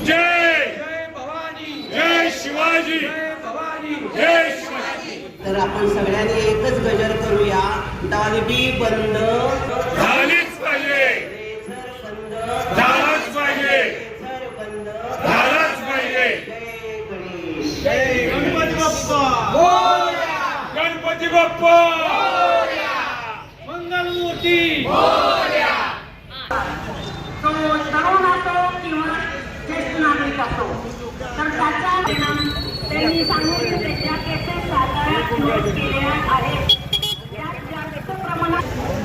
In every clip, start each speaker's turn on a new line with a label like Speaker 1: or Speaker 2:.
Speaker 1: जय
Speaker 2: जय भवानी,
Speaker 1: जय शिवाजी,
Speaker 2: जय भवानी,
Speaker 1: जय शिवाजी.
Speaker 3: तर आपण सगळ्यांनी एकच गजर करूया. दालबी बंद
Speaker 1: झालीच पाहिजे,
Speaker 3: रेझर बंद
Speaker 1: झालाच पाहिजे,
Speaker 3: रेझर बंद.
Speaker 1: झालाच पाहिजे.
Speaker 3: जय गणेश.
Speaker 2: जय गणपती बाप्पा,
Speaker 1: गणपती बाप्पा
Speaker 2: मंगलमूर्ती.
Speaker 4: तो तरुण असो किंवा ज्येष्ठ नागरिक असो, तर त्याचा परिणाम त्यांनी सांगितलं त्याच्या केसेस साताऱ्यात नोंद केलेल्या आहेत. त्यात जास्त प्रमाणात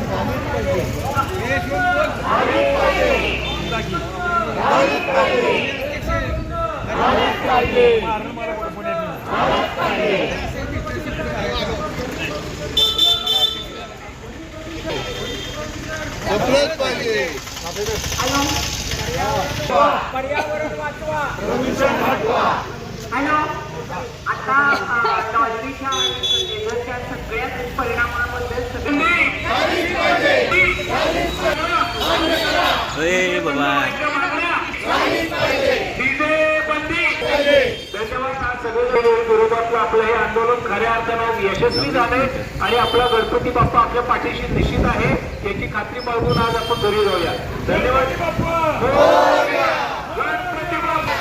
Speaker 2: पर्यावरण वाचवा,
Speaker 4: हॅलो, आता डॉल्बीच्या आणि लेझरच्या सगळ्याच परिणामाबद्दल
Speaker 2: विरोधातलं आपलं हे आंदोलन खऱ्या अर्थानं यशस्वी झालंय आणि आपला गणपती बाप्पा आपल्या पाठीशी निश्चित आहे याची खात्री बाळगून आज आपण घरी जाऊया. धन्यवाद. गणपती बाप्पा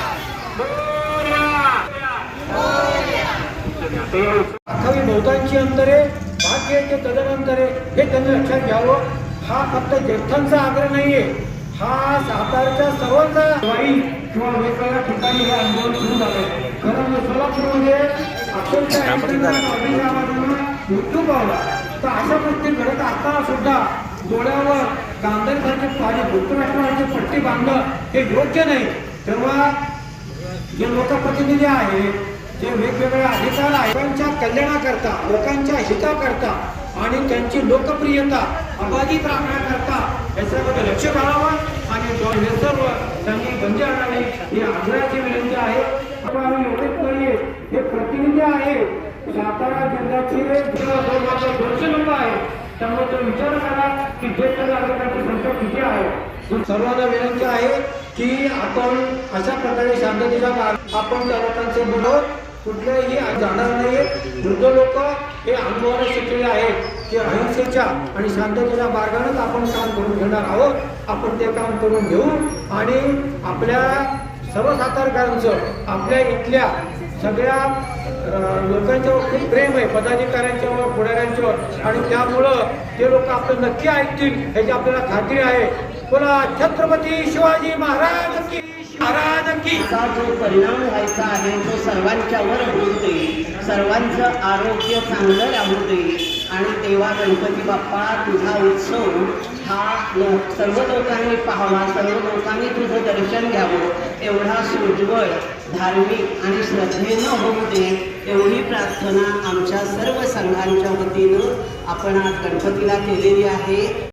Speaker 2: अख्खावी बहुतांची अंतरे भाग्याचे तदनंतरे हे त्यांनी लक्षात घ्यावं. हा फक्त ज्येष्ठांचा आग्रह नाहीये, हा सातारच्या सर्वांचा वाई किंवा वेगवेगळ्या ठिकाणी हे आंदोलन सुरू झालंय. कारण सोलापूरमध्ये अक्षरशः मृत्यू पावला. तर अशा गोष्टी घडत असताना सुद्धा डोळ्यावर गांधीसारखे पाणी धृतराष्ट्राची पट्टी बांधणं हे योग्य नाही. तेव्हा जे लोकप्रतिनिधी आहेत, जे वेगवेगळे अधिकार आहेत, लोकांच्या कल्याणाकरता, लोकांच्या हिताकरता आणि त्यांची लोकप्रियता अबाधित राखण्याकरता याच्यामध्ये लक्ष घालावं आणि सर्व त्यांनी बंदी आणावी ही आग्रहाची विनंती आहे. आम्ही एवढेच नाहीये, हे प्रतिनिधी आहे सातारा जिल्ह्याचे 200 लोक आहेत. त्यामुळे तो विचार करा की ज्येष्ठ नागरिकांची संख्या किती आहे. सर्वांना विनंती आहे की आपण अशा प्रकारे शांततेच्या काळात आपण त्या लोकांचे बोलत कुठल्याही जाणार नाहीये. वृद्ध लोक हे अनुभवाने शिकलेले आहेत की अहिंसेच्या आणि शांततेच्या मार्गानेच आपण काम करून घेणार आहोत. आपण ते काम करून घेऊ आणि आपल्या सर्व सातारकरांचं आपल्या इथल्या सगळ्या लोकांच्यावर खूप प्रेम आहे, पदाधिकाऱ्यांच्यावर, पुढाऱ्यांच्यावर, आणि त्यामुळं ते लोक आपलं नक्की ऐकतील याची आपल्याला खात्री आहे. बोला छत्रपती शिवाजी महाराज की, महाराज की.
Speaker 3: असा जो परिणाम व्हायचा आहे तो सर्वांच्यावर होऊ दे, सर्वांचं आरोग्य चांगलं राहू दे आणि तेव्हा गणपती बाप्पा तुझा उत्सव हा सर्व लोकांनी पाहावा, सर्व लोकांनी तुझं दर्शन घ्यावं, एवढा सोज्वळ, धार्मिक आणि श्रद्धेनं होऊ दे एवढी प्रार्थना आमच्या सर्व संघांच्या वतीनं आपण आज गणपतीला केलेली आहे.